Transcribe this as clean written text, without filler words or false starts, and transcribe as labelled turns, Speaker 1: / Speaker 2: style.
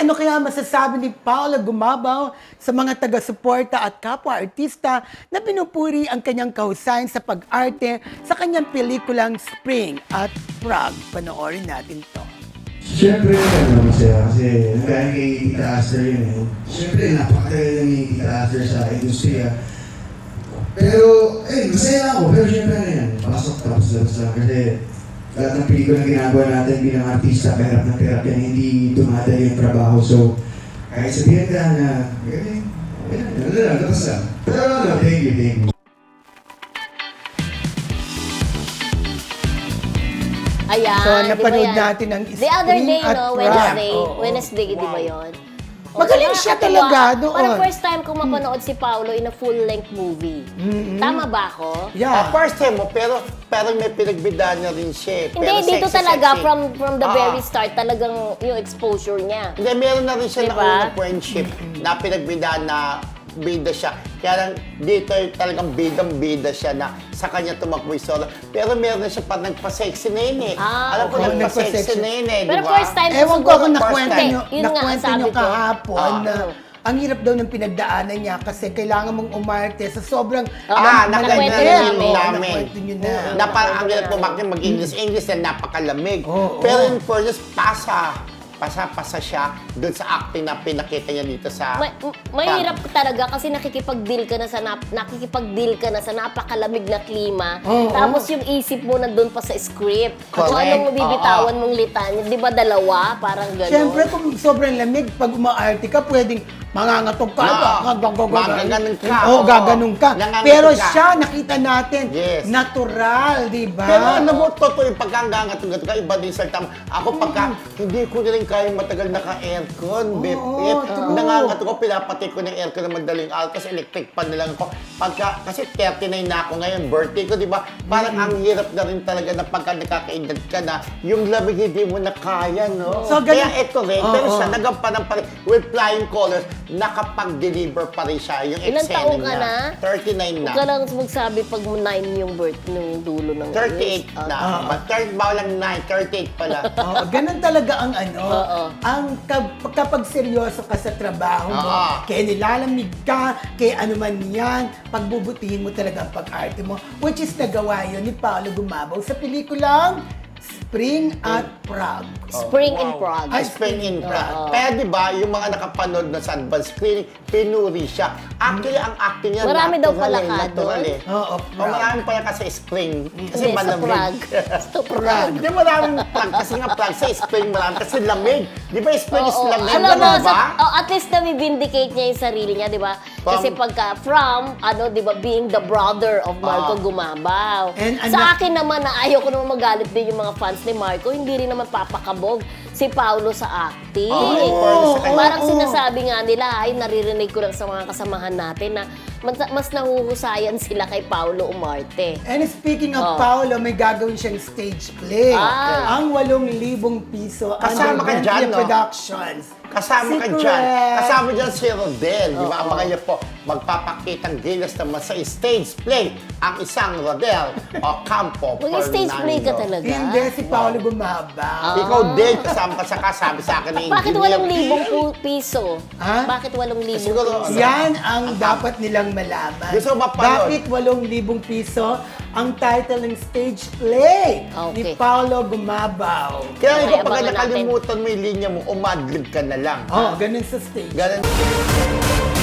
Speaker 1: ano kaya masasabi ni Paula Gumabaw sa mga taga-suporta at kapwa-artista na pinupuri ang kanyang kahusayan sa pag-arte sa kanyang pelikulang Spring at Prague? Panoorin natin to.
Speaker 2: Siyempre, masaya kasi dahil kay Tita Aster yun eh. Siyempre, napakatagal na ni Tita Aster sa industriya. Pero, masaya ako. Pero siyempre na yan. Pasok tapos lang. Kasi lahat ng pelikula na ginagawa natin bilang artista, kahirap ng hirap yan, hindi tumatay yung trabaho. So, kahit sabihin ka na, labas lang. Pero thank you.
Speaker 3: Ayan,
Speaker 1: So, napanood
Speaker 3: di ba yan?
Speaker 1: natin ang
Speaker 3: The other day,
Speaker 1: Spring at
Speaker 3: no,
Speaker 1: Prague.
Speaker 3: Wednesday, di ba yun?
Speaker 1: Magaling
Speaker 3: so,
Speaker 1: siya
Speaker 3: nakakatuwa.
Speaker 1: talaga doon.
Speaker 3: Parang first time kong mapanood si Paolo in a full-length movie. Tama ba ako?
Speaker 1: Yeah.
Speaker 4: First time mo, pero may pinagbidaan niya rin siya.
Speaker 3: Hindi,
Speaker 4: Pero
Speaker 3: dito
Speaker 4: sexy,
Speaker 3: talaga,
Speaker 4: sexy.
Speaker 3: from the very start, talagang yung exposure niya.
Speaker 4: Hindi, meron na rin siya
Speaker 3: Diba?
Speaker 4: na unang friendship na pinagbidaan na bida siya. Kaya lang dito talagang bidang-bida siya na sa kanya tumakbo yung solo. Pero meron na siya pa nagpa-sexy na yun eh.
Speaker 3: Ah,
Speaker 4: Alam ko
Speaker 1: okay.
Speaker 4: nagpa-sexy
Speaker 1: Nagpa-sexy.
Speaker 4: na yun eh, di
Speaker 3: Pero
Speaker 4: ba?
Speaker 3: first time
Speaker 1: Ewan ko
Speaker 3: siguro-
Speaker 1: kung
Speaker 4: First
Speaker 1: nakwento
Speaker 4: time.
Speaker 1: nyo,
Speaker 3: Yun nga ang
Speaker 1: nakwento
Speaker 3: sabi
Speaker 1: nyo
Speaker 3: ko.
Speaker 1: kahapon na ang hirap daw ng pinagdaanan niya kasi kailangan mong umarte sa sobrang
Speaker 3: nakwento
Speaker 4: nakwento
Speaker 3: namin.
Speaker 1: Nakwento nyo na.
Speaker 4: Na parang ang hirap pumakit mag-English na napakalamig.
Speaker 1: Oo,
Speaker 4: Pero
Speaker 1: oo.
Speaker 4: in fairness, pasa siya doon sa acting na pinakita niya dito sa...
Speaker 3: Mahirap talaga kasi nakikipag-deal ka na sa napakalamig na klima.
Speaker 1: Oo,
Speaker 3: Tapos yung isip mo nandun pa sa script. Kung
Speaker 4: Correct.
Speaker 3: anong mabibitawan mong litanya. Di ba dalawa? Parang gano'n.
Speaker 1: Siyempre, kung sobrang lamig, pag umaarte ka, pwedeng mangangatog ka.
Speaker 4: Magaganon ka.
Speaker 1: Oo, gaganon ka.
Speaker 4: Nangangatog
Speaker 1: Pero
Speaker 4: ka.
Speaker 1: siya, nakita natin,
Speaker 4: Yes.
Speaker 1: natural, di ba?
Speaker 4: Pero alam mo, totoo yung pagkangangatog ka, iba din sa tama. Ako pagka, hindi ko na rin kaya matagal naka-aircon, bip.
Speaker 1: true.
Speaker 4: Nangangatog ko, pinapatay ko ng aircon na madaling araw, kasi electric pan na lang ako. Kasi 39 na ako ngayon, birthday ko, di ba? Parang ang hirap na rin talaga na pagka nakakaedad ka na, yung lamig hindi mo na kaya, no?
Speaker 1: So,
Speaker 4: Kaya
Speaker 1: ganun-
Speaker 4: ito rin, pero siya nagampanan pa rin with flying colors, nakapag-deliver pa rin siya yung
Speaker 3: Ilang
Speaker 4: eksena
Speaker 3: taon ka
Speaker 4: niya.
Speaker 3: na?
Speaker 4: 39 na.
Speaker 3: Huwag ka lang magsabi pag 9 yung birth nung dulo ng
Speaker 4: 38
Speaker 3: years.
Speaker 4: na. Bawal lang 9, 38 pala.
Speaker 1: Oo, ganun talaga ang
Speaker 3: Oo.
Speaker 1: ang kapag seryoso ka sa trabaho mo,
Speaker 4: Oo.
Speaker 1: kaya nilalamig ka, kaya ano man yan, pagbubutihin mo talaga ang pag-arte mo, which is nagawa yun ni Paolo Gumabaw sa pelikulang Spring at Prague.
Speaker 3: Spring in Prague.
Speaker 4: Ay, Spring in Prague. Kaya di ba, yung mga nakapanood na sa advance screening, pinuri siya. Actually, ang acting niya,
Speaker 3: Marami daw pala ka
Speaker 4: natural
Speaker 3: doon.
Speaker 4: eh.
Speaker 1: Oo,
Speaker 4: O,
Speaker 1: Prague.
Speaker 4: marami pala kasi Spring. Kasi
Speaker 3: Hindi, sa
Speaker 4: malamig.
Speaker 3: Prague. Sa Prague.
Speaker 4: Hindi, maraming Prague. Kasi nga Prague sa Spring, marami. Kasi lamig. Di ba, Spring is
Speaker 3: Oo.
Speaker 4: lamig?
Speaker 3: Alam mo,
Speaker 4: Ganun ba?
Speaker 3: at least na-vindicate niya yung sarili niya, di ba? Kasi pagka di ba, being the brother of Marco Gumabaw.
Speaker 1: And
Speaker 3: Sa akin naman, na ayaw ko naman magalit din yung mga fans ni Marco, hindi rin naman papakabog si Paolo sa acting.
Speaker 4: Oo,
Speaker 3: Parang
Speaker 1: oo.
Speaker 3: sinasabi nga nila, ay naririnig ko lang sa mga kasamahan natin na mas nahuhusayan sila kay Paolo Umarte.
Speaker 1: And speaking of
Speaker 3: Oh.
Speaker 1: Paolo, may gagawin siyang stage play.
Speaker 3: Ah.
Speaker 1: Ang 8,000 piso
Speaker 4: Kasama ka
Speaker 1: under
Speaker 4: dyan,
Speaker 1: Bentley
Speaker 4: no?
Speaker 1: Productions.
Speaker 4: Kasama ka
Speaker 1: Secret.
Speaker 4: dyan. Kasama dyan si Rodel. Di ba? Ang mga niya po, magpapakitang gilas naman sa stage play ang isang Rodel o Campo
Speaker 3: Mag-stage play ka
Speaker 4: Fernando.
Speaker 3: talaga?
Speaker 1: Hindi, si Paolo Gumabaw.
Speaker 4: Ikaw din, kasama ka sa kasabi sa akin ni
Speaker 3: Bakit
Speaker 4: engineer.
Speaker 3: 8,000 piso?
Speaker 1: Ha?
Speaker 3: Bakit 8,000
Speaker 4: Siguro,
Speaker 3: piso?
Speaker 1: Yan ang dapat nilang malaman.
Speaker 4: Gusto mo mapanood?
Speaker 1: Bakit 8,000 piso ang title ng stage play ni
Speaker 3: Okay.
Speaker 1: Paolo Gumabaw?
Speaker 4: Kaya ikaw,
Speaker 3: Okay,
Speaker 4: pagka
Speaker 3: abangan natin.
Speaker 4: nakalimutan mo yung linya mo, umadlib ka na lang.
Speaker 1: Oh, ganun sa stage.
Speaker 4: Ganun.